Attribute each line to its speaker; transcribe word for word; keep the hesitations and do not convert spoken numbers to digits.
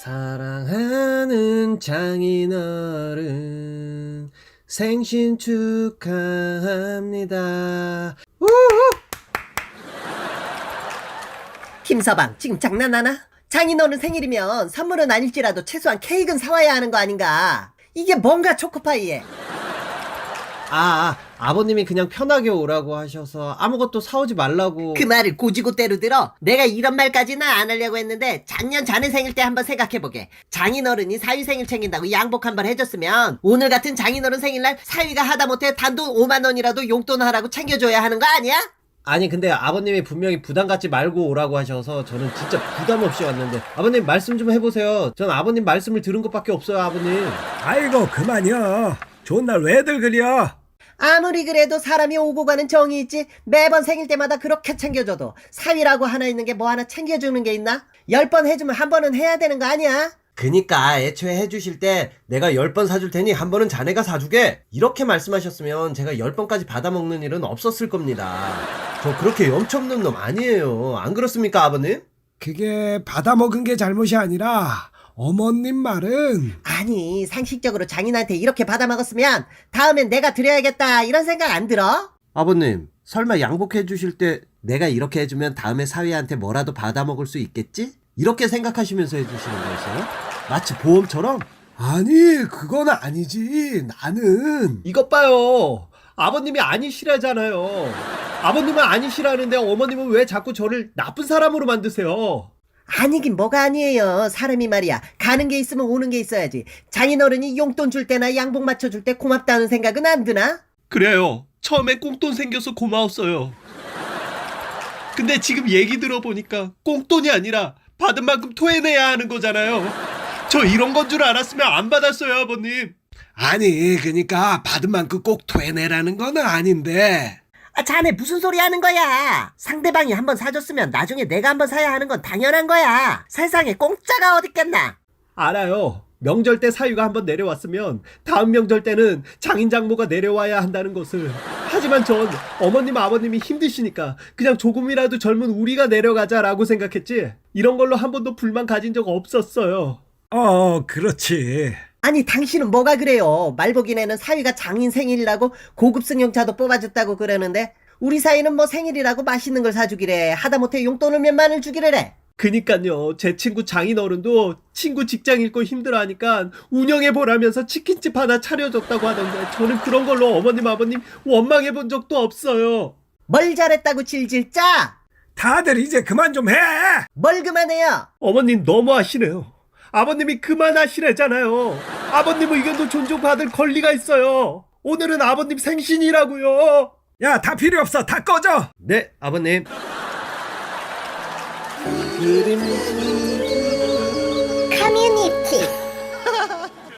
Speaker 1: 사랑하는 장인어른 생신 축하합니다. 우후!
Speaker 2: 김서방 지금 장난하나? 장인어른 생일이면 선물은 아닐지라도 최소한 케이크는 사와야 하는 거 아닌가? 이게 뭔가 초코파이에.
Speaker 1: 아, 아, 아버님이 그냥 편하게 오라고 하셔서 아무것도 사오지 말라고.
Speaker 2: 그 말을 고지고대로 들어. 내가 이런 말까지는 안 하려고 했는데 작년 자네 생일 때 한번 생각해보게. 장인어른이 사위 생일 챙긴다고 양복 한번 해줬으면 오늘 같은 장인어른 생일날 사위가 하다못해 단돈 오만 원이라도 용돈 하라고 챙겨줘야 하는 거 아니야?
Speaker 1: 아니 근데 아버님이 분명히 부담 갖지 말고 오라고 하셔서 저는 진짜 부담 없이 왔는데, 아버님 말씀 좀 해보세요. 전 아버님 말씀을 들은 것밖에 없어요, 아버님.
Speaker 3: 아이고 그만이여. 좋은 날 왜들 그려?
Speaker 2: 아무리 그래도 사람이 오고 가는 정이 있지. 매번 생일 때마다 그렇게 챙겨줘도 사위라고 하나 있는 게 뭐 하나 챙겨주는 게 있나? 열 번 해주면 한 번은 해야 되는 거 아니야?
Speaker 1: 그니까 애초에 해주실 때 내가 열 번 사줄 테니 한 번은 자네가 사주게, 이렇게 말씀하셨으면 제가 열 번까지 받아먹는 일은 없었을 겁니다. 저 그렇게 염치없는 놈 아니에요. 안 그렇습니까, 아버님?
Speaker 3: 그게 받아먹은 게 잘못이 아니라 어머님 말은.
Speaker 2: 아니 상식적으로 장인한테 이렇게 받아먹었으면 다음엔 내가 드려야겠다 이런 생각 안 들어?
Speaker 1: 아버님, 설마 양복해 주실 때 내가 이렇게 해주면 다음에 사위한테 뭐라도 받아먹을 수 있겠지? 이렇게 생각하시면서 해주시는 거였어요? 마치 보험처럼?
Speaker 3: 아니 그건 아니지. 나는
Speaker 1: 이것 봐요. 아버님이 아니시라잖아요. 아버님은 아니시라는데 어머님은 왜 자꾸 저를 나쁜 사람으로 만드세요?
Speaker 2: 아니긴 뭐가 아니에요. 사람이 말이야 가는 게 있으면 오는 게 있어야지. 장인어른이 용돈 줄 때나 양복 맞춰줄 때 고맙다는 생각은 안 드나?
Speaker 4: 그래요. 처음에 꽁돈 생겨서 고마웠어요. 근데 지금 얘기 들어보니까 꽁돈이 아니라 받은 만큼 토해내야 하는 거잖아요. 저 이런 건 줄 알았으면 안 받았어요, 아버님.
Speaker 3: 아니 그니까 받은 만큼 꼭 토해내라는 건 아닌데.
Speaker 2: 아, 자네 무슨 소리 하는 거야? 상대방이 한번 사줬으면 나중에 내가 한번 사야 하는 건 당연한 거야. 세상에 공짜가 어딨겠나?
Speaker 1: 알아요. 명절 때 사위가 한번 내려왔으면 다음 명절 때는 장인장모가 내려와야 한다는 것을. 하지만 전 어머님 아버님이 힘드시니까 그냥 조금이라도 젊은 우리가 내려가자라고 생각했지, 이런 걸로 한 번도 불만 가진 적 없었어요.
Speaker 3: 어 그렇지.
Speaker 2: 아니 당신은 뭐가 그래요? 말보기네는 사위가 장인 생일이라고 고급 승용차도 뽑아줬다고 그러는데 우리 사위는 뭐 생일이라고 맛있는 걸 사주기래. 하다못해 용돈을 몇만을 주기를 해.
Speaker 1: 그니까요. 제 친구 장인어른도 친구 직장 잃고 힘들어하니까 운영해보라면서 치킨집 하나 차려줬다고 하던데, 저는 그런 걸로 어머님 아버님 원망해본 적도 없어요.
Speaker 2: 뭘 잘했다고 질질 짜?
Speaker 3: 다들 이제 그만 좀 해.
Speaker 2: 뭘 그만해요?
Speaker 1: 어머님 너무하시네요. 아버님이 그만하시래잖아요. 아버님 의견도 존중받을 권리가 있어요. 오늘은 아버님 생신이라고요.
Speaker 3: 야 다 필요 없어. 다 꺼져.
Speaker 1: 네, 아버님. 그림지